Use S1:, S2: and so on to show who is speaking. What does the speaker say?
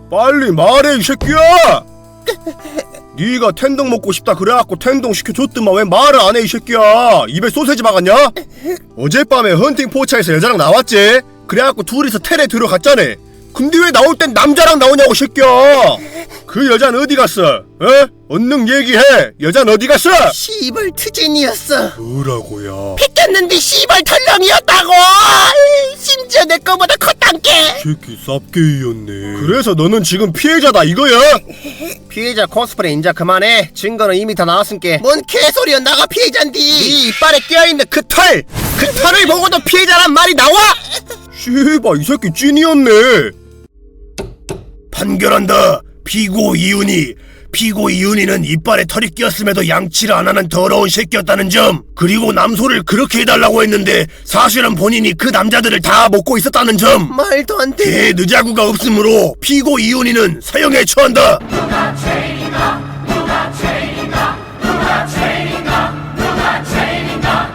S1: 빨리 말해 이 새끼야! 네가 텐동 먹고 싶다 그래갖고 텐동 시켜줬더만 왜 말을 안 해 이 새끼야! 입에 소세지 박았냐? 어젯밤에 헌팅 포차에서 여자랑 나왔지? 그래갖고 둘이서 텔에 들어갔잖아. 근데 왜 나올 땐 남자랑 나오냐고 이 새끼야! 그 여잔 어디 갔어? 어? 얼른 얘기해! 여잔 어디 갔어?
S2: 씨발 트진이었어.
S1: 뭐라고요?
S2: 뺏겼는데 씨발 털렁이었다고. 심지어 내 거보다 컸단게.
S1: 새끼 쌉게이였네. 그래서 너는 지금 피해자다 이거야?
S2: 피해자 코스프레 인자 그만해. 증거는 이미 다 나왔으니까. 뭔 개소리야. 나가 피해자인디. 네 이빨에 껴있는 그 털! 그 털을 보고도 피해자란 말이 나와?
S1: 씨발 이 새끼 찐이었네. 판결한다. 피고 이윤이는 이빨에 털이 끼었음에도 양치를 안 하는 더러운 새끼였다는 점, 그리고 남소를 그렇게 해달라고 했는데 사실은 본인이 그 남자들을 다 먹고 있었다는 점,
S2: 말도 안 돼.
S1: 대느자구가 없으므로 피고 이윤이는 사형에 처한다.